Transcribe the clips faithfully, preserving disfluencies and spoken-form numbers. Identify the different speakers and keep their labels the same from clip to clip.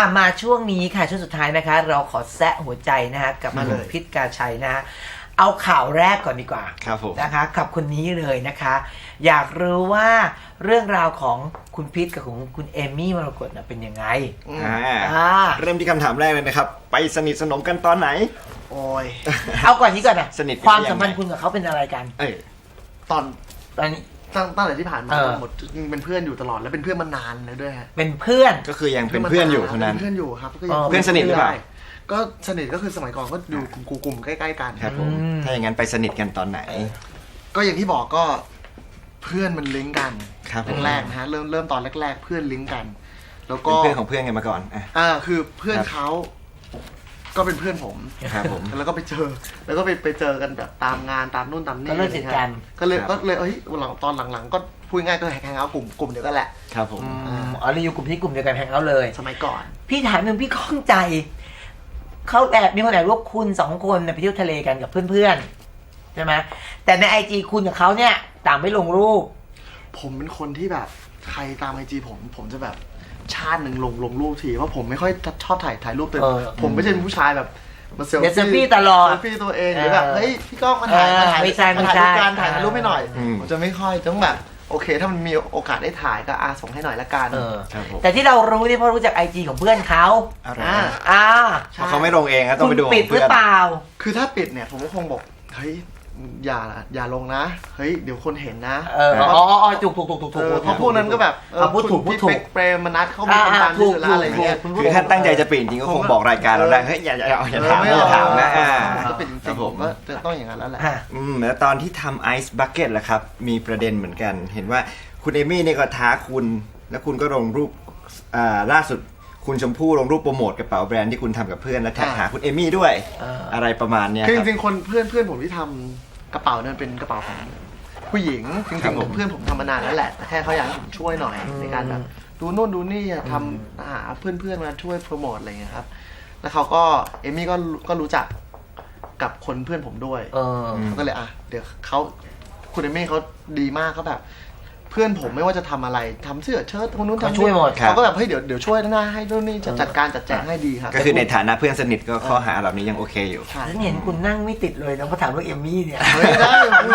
Speaker 1: อ่ะมาช่วงนี้ค่ะช่วงสุดท้ายนะคะเราขอแซะหัวใจนะคะกับคุณพิษกาชัยนะฮะเอาข่าวแรกก่อนดีกว่า
Speaker 2: ครับผม
Speaker 1: นะคะกับคนนี้เลยนะคะอยากรู้ว่าเรื่องราวของคุณพิษกับของคุณเอมี่มรกตเป็นยังไง
Speaker 2: อ่าเริ่มที่คำถามแรกเลยนะครับไปสนิทสนมกันตอนไหน
Speaker 3: โอ้ย
Speaker 1: เอาก่อนนี้ก่อนนะ
Speaker 2: สนิท
Speaker 1: ความสัมพันธ์คุณกับเขาเป็นอะไรกัน
Speaker 2: เออ
Speaker 3: ตอน
Speaker 1: ตอนนี้
Speaker 3: ตั้งตั้งแต่ที่ผ่านมาหมดยังเป็นเพื่อนอยู่ตลอดแล้วเป็นเพื่อนมานานแล้วด้วยฮะ
Speaker 1: เป็นเพื่อน
Speaker 2: ก็คือยังเป็นเพื่อนอยู่เท่านั้น
Speaker 3: เพื่อนอยู่ครับก็
Speaker 2: ยังเพื่อนสนิทหรือเปล่า
Speaker 3: ก็สนิทก็คือสมัยก่อนก็อยู่กลุ่มใกล้ๆกัน
Speaker 2: ครับผมถ้าอย่างนั้นไปสนิทกันตอนไหน
Speaker 3: ก็อย่างที่บอกก็เพื่อนมันลิงก์กันแรกๆนะฮะเริ่มเริ่มตอนแรกๆเพื่อนลิงก์กันแล้วก็
Speaker 2: เพื่อนของเพื่อนกันมาก่อน
Speaker 3: อ่าคือเพื่อนเขาก็เป็นเพื่อนผม
Speaker 2: ครับผม
Speaker 3: แล้วก็ไปเจอแล้วก็ไปไปเจอกันแบบตามงานตามนู่นตามนี่
Speaker 1: ก็เลยติดกัน
Speaker 3: ก็เลยก็เลยเอ้ยหลังตอนหลังๆก็พูดง่ายก็แฮงเอาท์กลุ่มกลุ่มเดียวกันแหละ
Speaker 2: ครับผม
Speaker 1: อ๋อเราอยู่กลุ่มที่กลุ่มเดียวกันแฮงเอาท์เลย
Speaker 3: สมัยก่อน
Speaker 1: พี่ถามหนึ่งพี่ข้องใจเขาแอบมีคนแอบว่าคุณสองคนไปเที่ยวทะเลกันกับเพื่อนๆใช่ไหมแต่ในไอจีคุณกับเขาเนี่ยต่างไม่ลงรูป
Speaker 3: ผมเป็นคนที่แบบใครตามไอจีผมผมจะแบบชาติหนึ่งลงลงรูปทีเพราะผมไม่ค่อยชอบถ่ายถ่ายรูปเต็มผมไม่ใช่เป็นผู้ชายแบบมาเซล
Speaker 1: ฟี่ตลอด
Speaker 3: เซลฟี่ตัวเองหรือแบบเฮ้ยพี่ก้องมาถ่ายมาถ่าย
Speaker 1: ไม่ใช่ไม่ใช่
Speaker 3: การถ่ายรูปให้หน่อยผมจะไม่ค่อยต้องแบบโอเคถ้ามันมีโอกาสได้ถ่ายก็อาส่งให้หน่อยละกัน
Speaker 1: แต่ที่เรารู้นี่เพราะรู้จักไอจีของเพื่อนเขา
Speaker 2: อ่า
Speaker 1: อ่า
Speaker 2: เพราะเขาไม่ลงเองต้องไปดู
Speaker 1: ปิดหรือเปล่า
Speaker 3: คือถ้าปิดเนี่ยผมก็คงบอกเฮ้ยอย่าอย่าลงนะเฮ้ยเดี๋ยวคนเห็นนะ
Speaker 1: เอออ๋ออ๋อถูกถูกถูกถูกถูก
Speaker 3: เพราะพวกนั้นก็แบบ
Speaker 1: พูดถูกพูดถูก
Speaker 3: เปรมมนัทเขามีคนตามดูแลอะไรเงี้ย
Speaker 2: คือถ้าตั้งใจจะปิดจริงก็คงบอกรายการเราได้เฮ้ยอย่าอย่าอย่าถามอย่าถามนะ
Speaker 3: ก็ปิดจริงๆผมก็จะต้องอย่างนั้นแล้วแหละ
Speaker 2: อืมแล้วตอนที่ทำไอซ์บัคเก็ตล่ะครับมีประเด็นเหมือนกันเห็นว่าคุณเอมี่เนี่ยก็ท้าคุณแล้วคุณก็ลงรูปอ่าล่าสุดคุณชมพู่ลงรูปโปรโมทกระเป๋าแบรนด์ที่คุณทำกับเพื่อนและแท็กหาคุณเอมี่ด้วยอะไรประมาณเนี้ย
Speaker 3: คือจริงๆคนเพื่อนเพื่อนผมที่ทำกระเป๋านั้นเป็นกระเป๋าของผู้หญิงจริงๆผมเพื่อนผมทำมานานแล้วแหละแต่แค่เขาอยากให้ผมช่วยหน่อยในการแบบดูนู่นดูนี่ทำหาเพื่อนๆมาช่วยโปรโมทอะไรเงี้ยครับแล้วเขาก็เอมี่ก็ก็รู้จักกับคนเพื่อนผมด้วยเขาก็เลยอ่ะเดี๋ยวเขาคุณเอมี่เขาดีมากเขาแบบเพื่อนผมไม่ว่าจะทำอะไรทำเสื้อเชิ้ตคนนู้นทำ
Speaker 1: ช่วยหมด
Speaker 3: เขาก็แบบเฮ้ยเดี๋ยวเดี๋ยวช่วยนะให้นู่นนี่จัดการจัดแจงให้ดีครับ
Speaker 2: ก็คือในฐานะเพื่อนสนิทก็ข้อหาเหล่านี้ยังโอเคอยู่
Speaker 1: ฉันเห็นคุณนั่งไม่ติดเลยนะพอถามเรื่องเอมี่เนี่ย
Speaker 3: ไม่ได้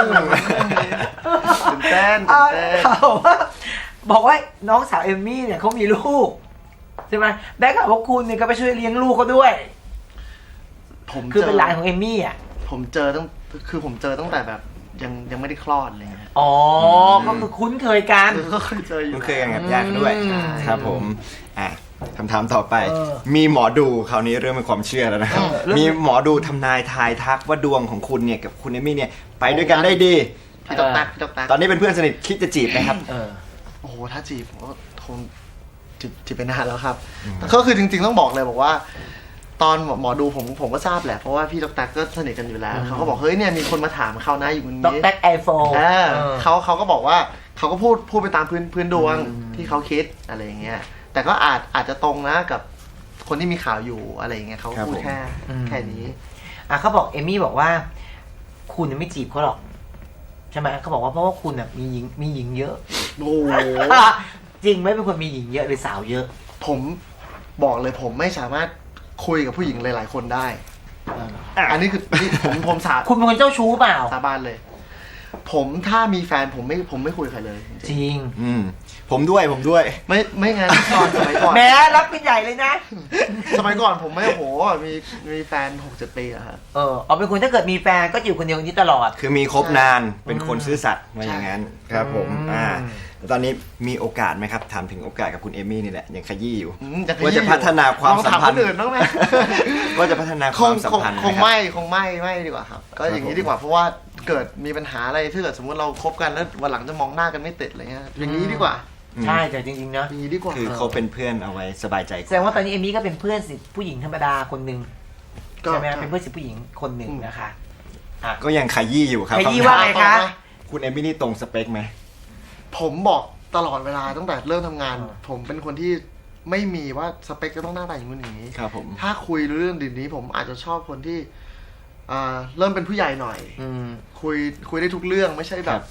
Speaker 3: ตื่นเต้น
Speaker 1: เขาบอกว่าน้องสาวเอมี่เนี่ยเขามีลูกใช่ไหมแบ็คกับว่าคุณเนี่ยก็ไปช่วยเลี้ยงลูกเขาด้วย
Speaker 3: ผม
Speaker 1: คือเป็นหลานของเอมี่อ่ะ
Speaker 3: ผมเจอตั้งคือผมเจอตั้งแต่แบบยังยังไม่ได้คลอดเลย
Speaker 1: อ๋อก็คือคุ้นเคยกัน
Speaker 3: ก็เคยเจออยู่
Speaker 2: คุ้นเคยกันกับญาติด้วยครับผมอ่ะคำถามต่อไปมีหมอดูคราวนี้เรื่องเป็นความเชื่อแล้วนะครับมีหมอดูทำนายทายทักว่าดวงของคุณเนี่ยกับคุณเอมี่เนี่ยไปด้วยกันได้ดี
Speaker 3: พี่ตอกตักพี่ตอกตัก
Speaker 2: ตอนนี้เป็นเพื่อนสนิทคิดจะจีบไหมครับ
Speaker 3: โอ้โหถ้าจีบผมก็คงจีบจีบไปนานแล้วครับก็คือจริงๆต้องบอกเลยบอกว่าตอนหมอดูผมผมก็ทราบแหละเพราะว่าพี่ดร.ก็สนิทกันอยู่แล้วเขาก็บอกเฮ้ยเนี่ยมีคนมาถามเขานะอยู่ตรงนี้
Speaker 1: ดร.ไอโฟน
Speaker 3: เขาเขาก็บอกว่าเขาก็พูดพูดไปตามพื้นพื้นดวงที่เขาคิดอะไรอย่างเงี้ยแต่ก็อาจอาจจะตรงนะกับคนที่มีข่าวอยู่อะไรอย่างเงี้ยเขาพูดแค่แค่นี้
Speaker 1: อ่ะเขาบอกเอมี่บอกว่าคุณไม่จีบเขาหรอกใช่ไหมเขาบอกว่าเพราะว่าคุณอ่ะมีหญิงมีหญิงเยอะ
Speaker 3: โอ้
Speaker 1: จริงไหมเป็นคนมีหญิงเยอะหรือสาวเยอะ
Speaker 3: ผมบอกเลยผมไม่สามารถคุยกับผู้หญิงหลายๆคนได้อันนี้คือผมผมสา
Speaker 1: คุณเป็นคนเจ้าชู้เปล่า
Speaker 3: สาบานเลยผมถ้ามีแฟนผมไม่ผมไม่คุยใครเลย
Speaker 1: จริง
Speaker 2: อืมผมด้วยผมด้วย
Speaker 3: ไม่ไม่งั้นตอนสมัยก่อน
Speaker 1: แม้รับเป็นใหญ่เลยนะ
Speaker 3: สมัยก่อนผมไม่โหมีมีแฟนหกเจ็ดปีอะครับ
Speaker 1: เออเอาเป็นคนถ้าเกิดมีแฟนก็อยู่คนเดียวนี้ตลอด
Speaker 2: คือมีคบนานเป็นคนซื่อสัตย์มาอย่างนั้นครับผมอ่าตอนนี้มีโอกาสไหมครับถามถึงโอกาสกับคุณเอมี่นี่แหละยังขยี้อยู่ว่าจะพัฒนาความสัมพันธ์
Speaker 3: อื่นบ้างไหม
Speaker 2: ว่าจะพัฒนาความสัมพันธ์
Speaker 3: คงไม่คงไม่ไม่ดีกว่าครับก็อย่างนี้ดีกว่าเพราะว่าเกิดมีปัญหาอะไรถ้าเกิดสมมติเราคบกันแล้ววันหลังจะมองหน้ากันไม่ติดอะไรเงี้ยอย่างนี้ดีกว่า
Speaker 1: ใช่แต่จริงๆนะ
Speaker 3: อย่างนี้ดีกว่า
Speaker 2: คือเขาเป็นเพื่อนเอาไว้สบายใจ
Speaker 1: แสดงว่าตอนนี้เอมี่ก็เป็นเพื่อนสิผู้หญิงธรรมดาคนหนึ่งใช่ไหมเป็นเพื่อนสิผู้หญิงคนหนึ่งนะคะ
Speaker 2: ก็ยังขยี้อยู่ครับ
Speaker 1: ขยี้ว่าไงคะ
Speaker 2: คุณเอมี่นี่ตรงสเปคไหม
Speaker 3: ผมบอกตลอดเวลาตั้งแต่เริ่มทำงานผมเป็นคนที่ไม่มีว่าสเปคจะต้องหน้าตาอย่างนู้นอย่างนี้
Speaker 2: ครับผม
Speaker 3: ถ้าคุยเรื่องดินนี้ผมอาจจะชอบคนที่เริ่มเป็นผู้ใหญ่หน่อยคุยคุยได้ทุกเรื่องไม่ใช่แบบ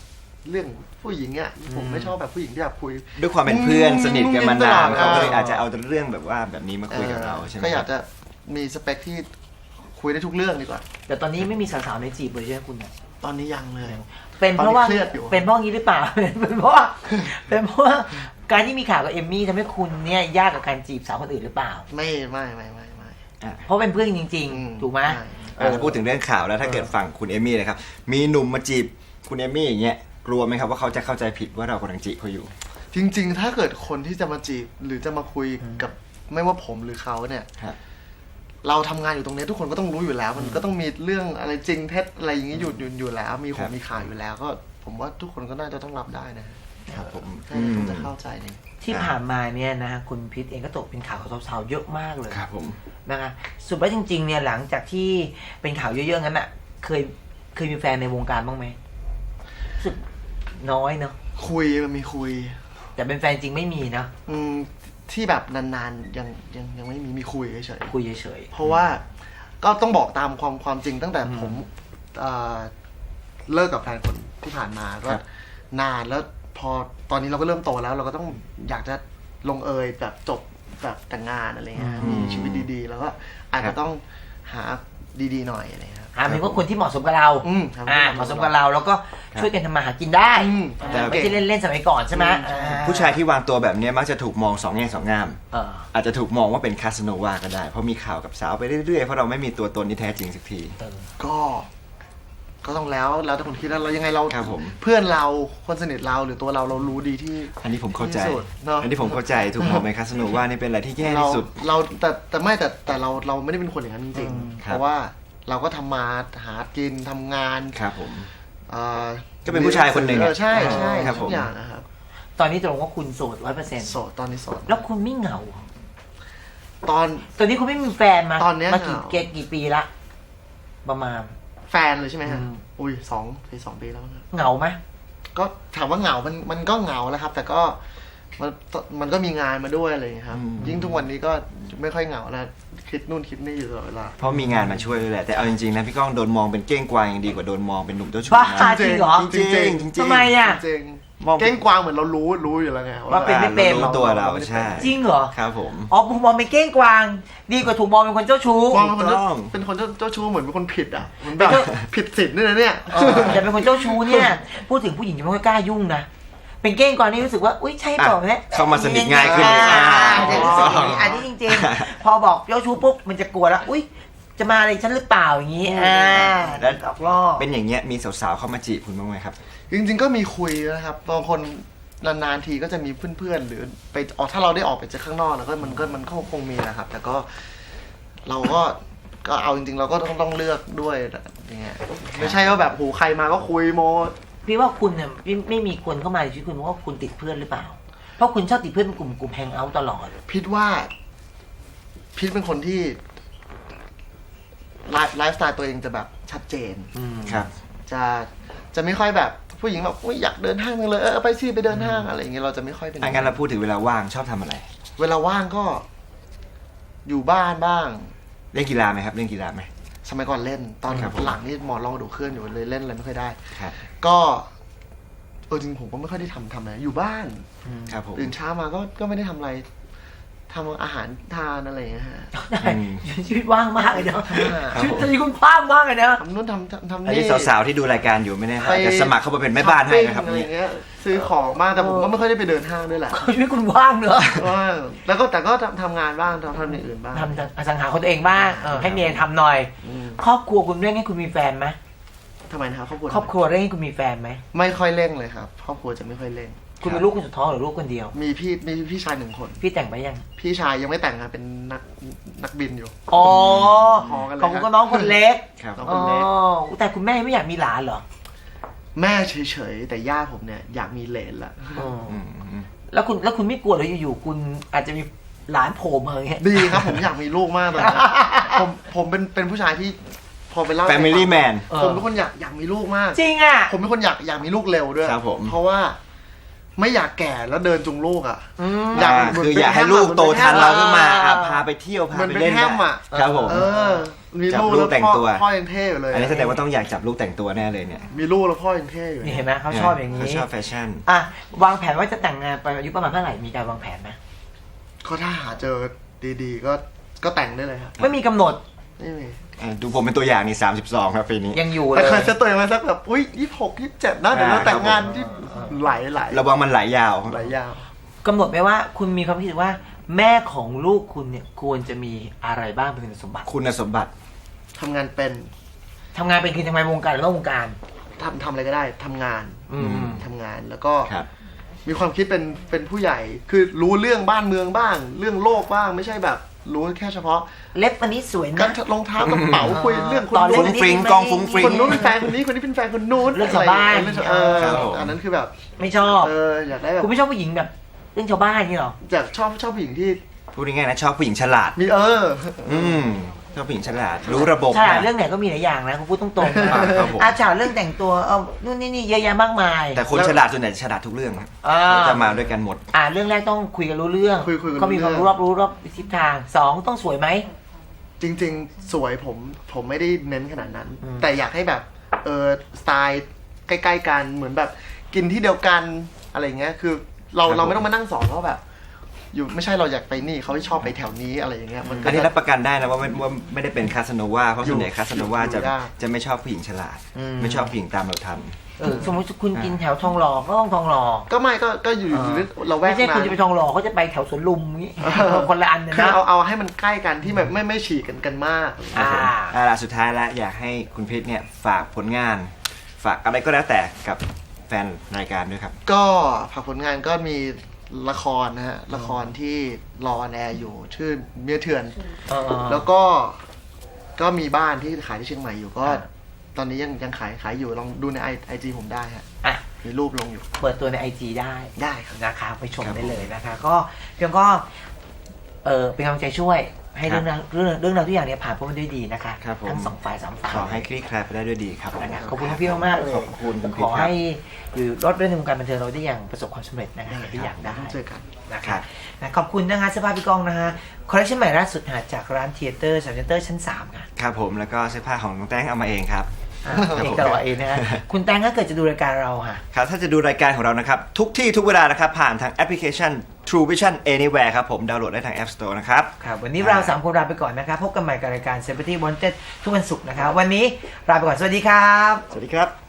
Speaker 3: เรื่องผู้หญิงอ่ะผมไม่ชอบแบบผู้หญิงที่แบบคุย
Speaker 2: ด้วยความเป็นเพื่อนสนิทกันมานาน
Speaker 3: อืม
Speaker 2: เขาก็เลยอาจจะเอาแต่เรื่องแบบว่าแบบนี้มาคุยกับเราใช่ไหม
Speaker 3: ก็อยากจะมีสเปคที่คุยได้ทุกเรื่องดีกว่า
Speaker 1: แต่ตอนนี้ไม่มีสาวๆในจีบเลยใช่ไหมคุณเนี่ย
Speaker 3: ตอนนี้ยังเลย
Speaker 1: เป็นเพราะว่า
Speaker 3: ตอนนี้เครียดอยู่
Speaker 1: เป็นเพราะงี้หรือเปล่า เป็นเพราะว่าเป็นเพราะว่าการที่มีข่าวกับเอมมี่ทำให้คุณเนี่ยยากกับการจีบสาวคนอื่นหรือเปล่า
Speaker 3: ไม่ไม่ไม่ไม่ไม่
Speaker 2: อ่ะ
Speaker 1: เพราะเป็นเพื่อนจริง
Speaker 3: อืม
Speaker 1: ๆ ถูกไหม
Speaker 3: ใช่
Speaker 1: เอ
Speaker 2: อ่ะ
Speaker 1: อ
Speaker 2: ถ้าพูดถึงเรื่องข่าวแล้วถ้าเกิดฝั่งคุณเอมี่นะครับมีหนุ่มมาจีบคุณเอมี่อย่างเงี้ยกลัวไหมครับว่าเขาจะเข้าใจผิดว่าเรากำลังจีบเขาอยู่
Speaker 3: จริง ๆ ถ้าเกิดคนที่จะมาจีบหรือจะมาคุยกับไม่ว่าผมหรือเขาเนี่ย
Speaker 2: ครับ
Speaker 3: เราทำงานอยู่ตรงนี้ทุกคนก็ต้องรู้อยู่แล้ว มันก็ต้องมีเรื่องอะไรจริงเท็จอะไรอย่างนี้อยู่อยู่อยู่แล้ว มีข
Speaker 2: ครั
Speaker 3: อง
Speaker 2: บ
Speaker 3: มีข่าวอยู่แล้ว ก็ผมว่าทุกคนก็น่าจะต้องรับได้นะครับ
Speaker 2: ผม
Speaker 3: น่าจะต้องจะเข้าใจเลย
Speaker 1: ที่ผ่านมาเนี่ยนะคุณพิษเองก็ตกเป็นข่าวกับสาวๆเยอะมากเลย
Speaker 2: ครับผม
Speaker 1: นะคะสุดว่าจริงๆเนี่ยหลังจากที่เป็นข่าวเยอะๆงั้นอ่ะเคยเคยมีแฟนในวงการบ้างไหมรู้สึกน้อยเนาะ
Speaker 3: คุยมันมีคุย
Speaker 1: แต่เป็นแฟนจริงไม่มีนะ
Speaker 3: อืมที่แบบนานๆยังยังยังไม่มีมีคุยเฉย
Speaker 1: คุยเฉย
Speaker 3: ๆเพราะว่าก็ต้องบอกตามความความจริงตั้งแต่ผมเอ่อเลิกกับแฟนคนที่ผ่านมาก็
Speaker 2: ครับ
Speaker 3: นานแล้วพอตอนนี้เราก็เริ่มโตแล้ว เราก็ต้องอยากจะลงเอยแบบจบแบบแต่งงานอะไรเงี้ยมีชีวิตดีๆ แล้วก็อาจจะต้องหาดีๆหน่อยอะไรเงี้ยครับ
Speaker 1: ๆหาเป็นว่าคนที่เหมาะสมกับเรา
Speaker 3: อืมครับ
Speaker 1: อ่าเหมาะสมกับเราแล้วก็ช่วยกันทำมาหากินได้
Speaker 3: อืม
Speaker 1: อ่าไม่ใช่เล่นๆสมัยก่อนใช่ไหม
Speaker 3: อืมใช่
Speaker 1: อ่
Speaker 2: ผู้ชายที่วางตัวแบบเนี้ยมักจะถูกมองสองแง่สองงาม
Speaker 1: เออ
Speaker 2: อาจจะถูกมองว่าเป็นคาสโนวาก็ได้ เพราะมีข่าวกับสาวไปเรื่อยๆ เพราะเราไม่มีตัวตนที่แท้จริงสักที
Speaker 1: เออ
Speaker 3: ก็ ก็ต้องแล้วแล้วแต่คนคิดแล้วเรายังไงเรา
Speaker 2: ครับผม
Speaker 3: เพื่อนเราคนสนิทเราหรือตัวเราเรารู้ดีที่
Speaker 2: อันนี้ผมเข้าใจ
Speaker 3: ที่สุดเนอะ
Speaker 2: อันนี้ผมเข้าใจถูกมองเป็นคาสโนวานี่เป็นอะไรที่แย่
Speaker 3: เรา
Speaker 2: ที่สุด
Speaker 3: เราแต่แต่ไม่แต่แต่เราเราไม่ได้เป็นคนอย่างนั้นจริง
Speaker 1: อืม
Speaker 3: ๆ
Speaker 2: ครับ
Speaker 3: เพราะว่าเราก็ทำมาหากินทำงาน
Speaker 2: ครับผม
Speaker 3: เอ่อ
Speaker 2: ก็เป็นผู้ชายคนหนึ่ง
Speaker 3: เอ
Speaker 2: อะ
Speaker 3: อใช่ใช่
Speaker 2: ครับผม
Speaker 3: ทุกอย่างนะครับ
Speaker 1: ตอนนี้ตรงว่าคุณโสดร้อยเปอร์เซ็นต์
Speaker 3: โสดตอนนี้โสด
Speaker 1: แล้วคุณไม่เหงา
Speaker 3: ตอน
Speaker 1: ตอนนี้คุณไม่มีแฟนมา
Speaker 3: ตอนเนี้ย
Speaker 1: มากี่
Speaker 3: เหงา
Speaker 1: เกกี่ปีละประมาณ
Speaker 3: แฟนเลยใช่ไหมฮะ
Speaker 1: อืม
Speaker 3: อุ้ยสองปีสองปีแล้วนะ
Speaker 1: เหงาไหม
Speaker 3: ก็ถามว่าเหงา มันมันก็เหงาแล้วครับ แต่ก็มันมันก็มีงานมาด้วยอะไรอย่างเงี้ยครับ
Speaker 2: อืม
Speaker 3: ยิ่งทุกวันนี้ก็ไม่ค่อยเหงาแล้วคิดนู่นคิดนี่อยู่ตลอดเวลา
Speaker 2: เพราะมีงานมาช่วยด้วยแหละ แต่เอาจริงๆนะพี่ก้องโดนมองเป็นเก้งกวางยังดีกว่าโดนมองเป็นหนุ่มเจ้าชู้
Speaker 1: บ้า
Speaker 2: นะ
Speaker 1: จริงเหรอ
Speaker 2: จริงๆจริงๆ
Speaker 1: ทำไมอ่ะ
Speaker 3: จริง
Speaker 2: มอง
Speaker 3: ๆเก้งกวางเหมือนเรารู้รู้อยู่แล้วไง
Speaker 1: ว่าเป็นไม่เป็น
Speaker 2: อ่ารู้ตัวเราใช่
Speaker 1: จริงเหรอ
Speaker 2: ครับผม
Speaker 1: อ๋อผมมองเป็นเก้งกวาง ดีกว่าถูกมองเป็นคนเจ้าชู้
Speaker 3: มองเป็นคน
Speaker 2: ถูกต้
Speaker 3: เจ้า
Speaker 2: อง
Speaker 3: เป็นคนเจ้าเจ้าชู้เหมือนเป็นคนผิดอ่ะเหมือนแบบ
Speaker 1: เป็น
Speaker 3: ผิดศีลด้วยนะเนี่ย
Speaker 1: เออแต่เป็นคนเจ้าชู้เนี่ยพูดถึงผู้หญิงจะไม่ค่อยกล้ายุ่งนะเป็นเก้งกวางนี่รู้สึกว่าอุ้ยใช่เปล่าเนี่ย
Speaker 2: เข้ามาสนิทง่ายขึ้น
Speaker 1: อ่า
Speaker 2: อ๋อ
Speaker 1: จะรู้สึกอย่างนี้อันนี้จริงๆ พอบอกเจ้าชู้ปุ๊บมันจะกลัวแล้วอุ้ยจะมาอะไรฉันหรือเปล่าอย่างนี้อ่า
Speaker 2: แล้ว
Speaker 1: ออกล่อ
Speaker 2: เป็นอย่างเงี้ยมีสาวๆเข้ามาจีบคุณบ้างไหมครับ
Speaker 3: จริงๆก็มีคุยนะครับบางคนนานๆทีก็จะมีเพื่อนๆหรือไปออกถ้าเราได้ออกไปเจอข้างนอกแล้วก็มันก็มันก็คงมีนะครับ แต่ก็เราก็ก็เอาจริงๆ เราก็ต้องต้องเลือกด้วยอย่างเงี้ยไม่ใช่ว่าแบบโหใครมาก็คุยโม
Speaker 1: พี่ว่าคุณเนี่ยไม่ไม่มีคนเข้ามาในชีวิตคุณเพราะว่าคุณติดเพื่อนหรือเปล่า เพราะคุณชอบติดเพื่อนเป็นกลุ่มกลุ่มแฮงเอาท์ตลอด
Speaker 3: พิดว่าพิดเป็นคนที่ไลฟ์ไลฟ์สไตล์ตัวเองจะแบบชัดเจน
Speaker 2: ครับ
Speaker 3: จะจะไม่ค่อยแบบผู้หญิงแบบอุ๊ยอยากเดินห้างจังเลยเออไปสิไปเดินห้างอะไรอย่างเงี้ยเราจะไม่ค่อยเป็น
Speaker 2: อ่ะงั้นเราพูดถึงเวลาว่างชอบทำอะไร
Speaker 3: เวลาว่างก็อยู่บ้านบ้าง
Speaker 2: เล่นกีฬาไหมครับ เล่นกีฬาไหม
Speaker 3: สมัยก่อนเล่น ตอน
Speaker 2: ครับผม
Speaker 3: หลังนี่หมอนรองกระดูกเคลื่อนอยู่เลยเล่นอะไรไม่ค่อยได้
Speaker 2: ครับ
Speaker 3: ก็เออจริงผมก็ไม่ค่อยได้ทำทำอะไรอยู่บ้าน
Speaker 2: ครับผม
Speaker 3: ตื่นเช้ามาก็ก็ไม่ได้ทำอะไรทำอาหารทานอะไรอย่างเงี้ยฮะ
Speaker 2: อืม
Speaker 1: ชีวิตว่างมากเลยเนาะ
Speaker 2: ครับ
Speaker 1: ชีวิต
Speaker 2: ผม
Speaker 1: ตอนนี้คุณว่างมากเลยนะ
Speaker 3: ทำนู่นทำทำทำ
Speaker 2: อัน
Speaker 3: นี่
Speaker 2: นี้สาวๆที่ดูรายการอยู่ไม่แน่ครับ
Speaker 3: ไป
Speaker 2: จะสมัครเข้ามาเป็นแม่บ้านให้นะครับ
Speaker 3: ช้อปปิ้งอะไร
Speaker 2: เนี่ย
Speaker 3: เงี้ยซื้อของมากแต่ผมก็ไม่ค่อยได้ไปเดินห้างด้วยแหละ
Speaker 1: ชีวิตคุณว่างเนอะ
Speaker 3: ว่างแล้วก็แต่ก็ทำทำงานบ้างทำทำอย่างอื่นบ้าง
Speaker 1: ทำอสังหาของตัวเองบ้างเออให้เมียทำหน่อย
Speaker 3: อืม
Speaker 1: ครอบครัวคุณเร่งให้คุณมีแฟนไหม
Speaker 3: ทำไมนะครับครอบครัว
Speaker 1: ครอบครัวเร่งให้คุณมีแฟนไหม
Speaker 3: ไม่ค่อยเร่งเลยครับครอบครัวจะไม่ค่อยเร่ง
Speaker 1: คุณเป็นลูกคนสุดท้องหรือลูกคนเดียว
Speaker 3: มีพี่มีพี่ชายหนึ่งคน
Speaker 1: พี่แต่งไปยัง
Speaker 3: พี่ชายยังไม่แต่งงานเป็นนักนักบินอยู่
Speaker 1: อ๋อ
Speaker 3: พอกันเลย
Speaker 1: ของคุณก็น้องคนเล็ก
Speaker 2: ครับ
Speaker 3: น้อง
Speaker 1: อ๋อแต่คุณแม่ไม่อยากมีหลานเหรอ
Speaker 3: แม่เฉยๆแต่ย่าผมเนี่ยอยากมีเหลนละ
Speaker 1: อ๋อ
Speaker 2: อืมอืม
Speaker 1: แล้วคุณแล้วคุณไม่กลัวเลยอยู่ๆคุณอาจจะมีหลานโผล่มาอย่างเงี้ย
Speaker 3: ดีครับผมอยากมีลูกมากตอนนี้ผมผมเป็นเป็นผู้ชายที่พอไปเล่า
Speaker 2: Family Man
Speaker 1: เออ
Speaker 3: ผมเป็นคนอยากอยากมีลูกมาก
Speaker 1: จริงอ่ะ
Speaker 3: ผมเป็นคนอยากอยากมีลูกเร็วด้วย
Speaker 2: ครับผม
Speaker 3: เพราะว่าไม่อยากแก่แล้วเดินจูงลูกอ่ะ
Speaker 1: อืม
Speaker 3: อยาก
Speaker 2: อ่าคืออยากให้ลูกโตทันเราขึ้นมาอ่ะพาไปเที่ยวพา
Speaker 3: มัน
Speaker 2: ไป
Speaker 3: เป็น
Speaker 2: เล่น
Speaker 3: แฮมอ่ะ
Speaker 2: ครับผม
Speaker 3: เออ มี
Speaker 2: จับ
Speaker 3: ลูก
Speaker 2: ลู
Speaker 3: แล้
Speaker 2: ก
Speaker 3: ว
Speaker 2: แต่ง
Speaker 3: พ่อ
Speaker 2: ตัว
Speaker 3: พ่อยังเท่อยู่เลย
Speaker 2: อันนี้แสดงว่าต้องอยากจับลูกแต่งตัวแน่เลยเนี่ย
Speaker 3: มีลูกแล้วพ่อยังเท่อยู่
Speaker 1: นี่
Speaker 3: เลย
Speaker 1: เห็นไหมเขาชอบอย่างนี้
Speaker 2: เขาชอบแฟชั่น
Speaker 1: อ่ะวางแผนว่าจะแต่งงานไปอายุประมาณเท่าไหร่มีการวางแผนไหม
Speaker 3: ก็ถ้าหาเจอดีๆ ก็ก็แต่งได้เลยครับ
Speaker 1: ไม่มีกำหนด
Speaker 3: ไม่มี
Speaker 2: อ่ะดูผมเป็นตัวอย่างนี่สามสิบสองครับปีนี้
Speaker 1: ยังอยู่เล
Speaker 3: แต่
Speaker 1: ย
Speaker 3: เคยเซตตัวเองไว้สักแบบอุ้ยยี่สิบหกยี่สิบเจ็ดนะเดี๋ยวเรา
Speaker 2: อ่า
Speaker 3: แต่งงาน
Speaker 2: ครับผม
Speaker 3: ที่ไหลไหล
Speaker 2: ระวังมันไหลยาว
Speaker 3: ไหลยาว
Speaker 1: กำหนดไหมว่าคุณมีความคิดว่า แม่ของลูกคุณเนี่ยควรจะมีอะไรบ้างเป็นคุณสมบัติ
Speaker 2: คุณสมบัติ
Speaker 3: ทำงานเป็น
Speaker 1: ทำงานเป็นคือทำงานวงการหรือนอกวงการ
Speaker 3: ทำทำอะไรก็ได้ทำงาน
Speaker 1: อืม
Speaker 3: ทำงานแล้วก็
Speaker 2: ครับ
Speaker 3: มีความคิดเป็นเป็นผู้ใหญ่ คือรู้เรื่องบ้านเมืองบ้าง เรื่องโลกบ้างไม่ใช่แบบรู้แค่เฉพาะ
Speaker 1: เล็บอันนี้สวย
Speaker 3: กา
Speaker 1: นะ
Speaker 3: รรองเท้ากระเป๋าคุยเรื่องคน
Speaker 1: ตอนเล่
Speaker 3: นู้
Speaker 2: ฟุ้
Speaker 3: น
Speaker 2: งฟริงกล้องฟุ้งฟริง
Speaker 3: คนนู้นเป็นแฟนคนนี้คนนี้เป็นแฟนคนนู้น
Speaker 1: เรื่องชาวบ้าน
Speaker 3: อะไรเรื่องชาวเออ
Speaker 2: ครับผม
Speaker 3: อันนั้นคือแบบ
Speaker 1: ไม่ชอบ
Speaker 3: เอออยากได้แบบ
Speaker 1: คุณไม่ชอบผู้หญิงแบบเรื่องชาวบ้านนี่หรอ
Speaker 3: อยากชอบชอบผู้หญิงที่
Speaker 2: พูดง่ายๆนะชอบผู้หญิงฉลาด
Speaker 3: มีเออ
Speaker 2: อืมชอบผู้หญิงฉลาด รู้ระบบ
Speaker 1: ใช่
Speaker 2: นะ
Speaker 1: เรื่องไหนก็มีหลายอย่างนะคุณพูดตรงๆนะครับ
Speaker 2: ผม
Speaker 1: อาฉาเรื่องแต่งตัวเอานู่นนี่นี่เยอะแยะมากมาย
Speaker 2: แต่คนฉลาดส่วนใหญ่ฉลาดทุกเรื่องครับ
Speaker 1: อ่า
Speaker 2: เขาจะมาด้วยกันหมด
Speaker 1: อ่าเรื่องแรกต้องคุยกันรู้เรื่อง
Speaker 3: คุยคุยกัน
Speaker 1: เขามีความ
Speaker 3: รู้
Speaker 1: รู้
Speaker 3: เรื่
Speaker 1: ร
Speaker 3: อง
Speaker 1: อบรู้รอบทิศทางสองต้องสวยไหม
Speaker 3: จริง ๆ สวยผมผมไม่ได้เน้นขนาดนั้น
Speaker 1: อืม
Speaker 3: แต่อยากให้แบบเออสไตล์ใกล้ๆกันเหมือนแบบกินที่เดียวกันอะไรเงี้ยคือเรา
Speaker 2: ครับ
Speaker 3: เราไม่ต้องมานั่งสอนว่าแบบ อยู่ไม่ใช่เราอยากไปนี่เขาชอบไปแถวนี้อะไรอย่างเงี้ยมันก็
Speaker 2: อันนี้
Speaker 3: จะ
Speaker 2: รับประกันได้นะว่าไม่ว่าไม่ได้เป็นคาสโนวาเพราะส่วนใหญ่คาสโนวา
Speaker 3: อยู่
Speaker 2: จะ
Speaker 3: ยาก
Speaker 2: จะไม่ชอบผู้หญิงฉลาด ไม่ชอบผู้หญิงตามเราทัน
Speaker 1: เออสมมติคุณกินแถวทองหล่อก็ต้องทองหล่อ
Speaker 3: ก็ไม่ก็ก็อยู่
Speaker 1: อ่า
Speaker 3: เราแวก
Speaker 1: ไม่ใช่
Speaker 3: มา
Speaker 1: คุณจะไปทองหล่อเขาจะไปแถวสวนลุมงี้คนละอันนะ
Speaker 3: คือ
Speaker 1: นะ
Speaker 3: เอาเอาให้มันใกล้กันที่แบบไม่ไม่ฉีกกันกันมาก
Speaker 1: อ่า
Speaker 2: อ่าล่ะสุดท้ายแล้วอยากให้คุณพิษเนี่ยฝากผลงาน ฝากอะไรก็แล้วแต่กับแฟนรายการด้วยครับ
Speaker 3: ก็ฝากผลงานก็มีละครนะฮะละครที่รอแอร์อยู่ชื่อเมียเถื่อน
Speaker 1: เออ
Speaker 3: แล้วก็ก็มีบ้านที่ขายที่เชียงใหม่อยู่ก็
Speaker 1: อ่า
Speaker 3: ตอนนี้ยังยังขายขายอยู่ลองดูในไอไอจีผมได้ฮะ
Speaker 1: อ่ะ
Speaker 3: มีรูปลงอยู่
Speaker 1: เปิดตัวในไอจีได้
Speaker 3: ได้ครับ
Speaker 1: นะคะไปชม
Speaker 2: ครับ
Speaker 1: ได้เลยนะคะ ก็เพียงก็เออเป็นกำลังใจช่วยให้
Speaker 2: ครั
Speaker 1: เรื่
Speaker 2: บ
Speaker 1: องราวเรื่องเรื่องราวทุกอย่างเนี่ยผ่านพ้นไปด้วยดีนะคะ
Speaker 2: ครับผม
Speaker 1: ทั้งสองฝ่ายสามฝ่าย
Speaker 2: ขอให้คลี่คลายไปได้ด้วยดีครับ
Speaker 1: นะคะขอบคุณพี่มากๆเลย
Speaker 2: ขอบคุณคุณพิ
Speaker 1: ข
Speaker 2: ษ
Speaker 1: อ
Speaker 2: ครับ
Speaker 1: ให้อยู่รอดเรื่องในวงการบันเทิงเราได้อย่างประสบความสำเร็จนะคะอย่างที่อยากได้
Speaker 3: ต้องเจอกัน
Speaker 1: นะ
Speaker 2: ครั
Speaker 1: คะ
Speaker 2: บ
Speaker 1: นะขอบคุณนะคะเสื้อผ้าพี่กองนะคะคอลเลคชันใหม่ล่าสุดหาจากร้านเทเตอร์เซ็นเตอร์ชั้นสามค่ะ
Speaker 2: ครับผมแล้วก็เสื้อผ้าของน้องแต้งเอามาเองครับ
Speaker 1: อ่ะเองตลอดเองนะคะคุณแตงถ้าเกิดจะดูรายการเราค่ะ
Speaker 2: ครับถ้าจะดูรายการของเรานะครับ ทุกที่ทุกเวลานะครับ ผ่านทางแอปพลิเคชัน True Vision Anywhere ครับผมดาวน์โหลดได้ทาง App Store นะครับ
Speaker 1: ครับวันนี้เราสามคนลาไปก่อนนะครับพบกันใหม่กับรายการ Celebrity Wanted ทุกวันศุกร์นะครับวันนี้ลาไปก่อนสวัสดีครับ
Speaker 2: สวัสดีครับ